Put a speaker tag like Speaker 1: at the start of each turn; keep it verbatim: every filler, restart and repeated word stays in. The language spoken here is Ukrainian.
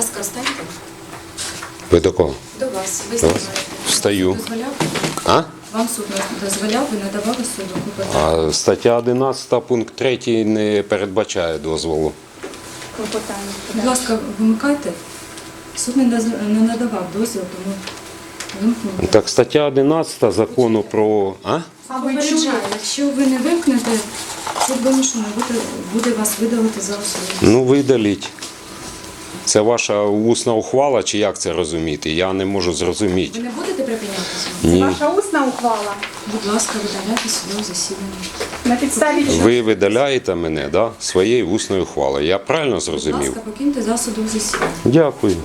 Speaker 1: ласка, встаньте.
Speaker 2: Ви до кого?
Speaker 1: До вас. Ви
Speaker 2: До вас?
Speaker 1: знімаєте.
Speaker 2: Встаю.
Speaker 1: Дозволяв?
Speaker 2: А?
Speaker 1: Вам суд дозволяв, ви надавали суду клопотання.
Speaker 2: А стаття одинадцята, пункт третій не передбачає дозволу.
Speaker 3: Клопотання.
Speaker 1: Будь ласка, вимикайте. Суд не, доз- не надавав дозвіл, тому вимкнути.
Speaker 2: Так, стаття одинадцята закону про... А?
Speaker 3: А ви
Speaker 1: Попереджаю,
Speaker 3: чуєте?
Speaker 1: якщо ви не вимкнете, суд вимушений буде, буде вас видалити за особливість.
Speaker 2: Ну, видаліть. Це ваша усна ухвала, чи як це розуміти? Я не можу зрозуміти.
Speaker 1: Ви не будете припинятися?
Speaker 2: Ні.
Speaker 3: Ваша усна ухвала.
Speaker 1: Будь ласка, видаляйте судове засідання.
Speaker 3: На підставі чого?
Speaker 2: Ви видаляєте мене, да, своєю усною ухвалою. Я правильно
Speaker 1: Будь
Speaker 2: зрозумів?
Speaker 1: ласка, покиньте зал судового засідання.
Speaker 2: Дякую.